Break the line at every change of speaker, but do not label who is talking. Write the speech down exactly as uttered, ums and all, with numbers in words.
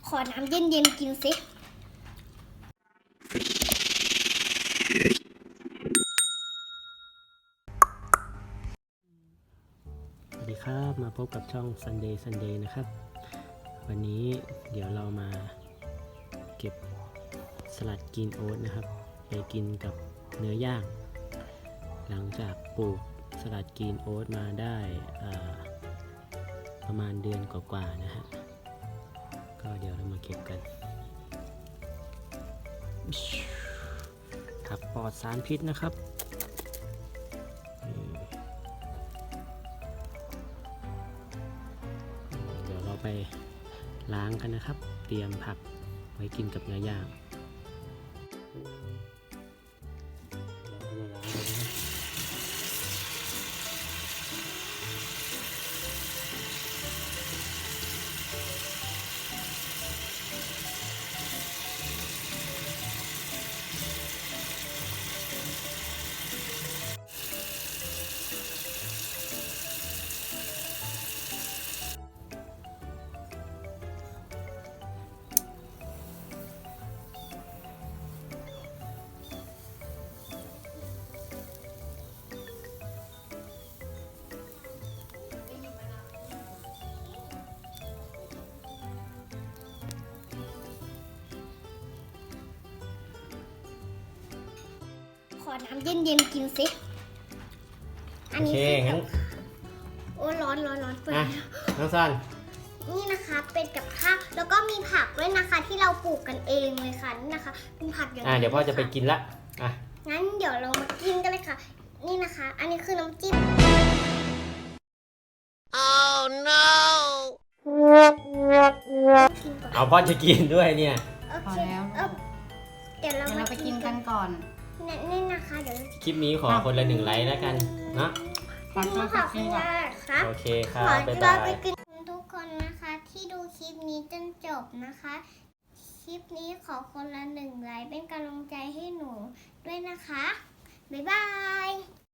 ขอน้ำเย็นๆกินสิ
สวัสดีครับมาพบกับช่อง Sunday Sunday นะครับวันนี้เดี๋ยวเรามาเก็บสลัดกรีนโอ๊ตนะครับไปกินกับเนื้อย่างหลังจากปลูกสลัดกรีนโอ๊ตมาได้ประมาณเดือนกว่าๆนะฮะก็เดี๋ยวเรามาเก็บกันครับปลอดสารพิษนะครับเดี๋ยวเราไปล้างกันนะครับเตรียมผักไว้กินกับเนื้อย่าง
ขอน้ำเย็นๆกินสิอัน
โอเค
นี้
งั้น
โอ้ร้อนร้อนร้อนเปิด
อ่ะน้องซัน
นี่นะคะเป็นกับข้าวแล้วก็มีผักด้วยนะคะที่เราปลูกกันเองเลยค่ะนี่นะคะเป็นผักอย่าง
อ่ะเดี๋ยวพ่อจะไปกินละอ่ะ
งั้นเดี๋ยวเรามากินกันเลยค่ะนี่นะคะ อันนี้คือน้ำจิ้ม
Oh no!
กินก่อน
เอาพ่อจะกินด้วยเนี่ย
โอ
พอ
เค
แล้ว
เออเดี๋ยวเรา
เดี๋ยว
มา
เราไปกินกันก่อน
นี่นี่นะคะเดี๋ยวเรา
คลิปนี้ขอคนละหนึ่งไลค์แล้วกันเนาะ
ขอ
กิน
ตัว
มา
สั
ค่ะ
ก
คุ
ที
ณ
ก่อน
ยายครับ
โอเคค
ข
รับ
อ
บ๊าย
เรา
บา
ไป
ย
กินทุกคนนะคะที่ดูคลิปนี้จนจบนะคะ คลิปนี้ขอคนละหนึ่งไลค์เป็นกำลังใจให้หนูด้วยนะคะบ๊ายบาย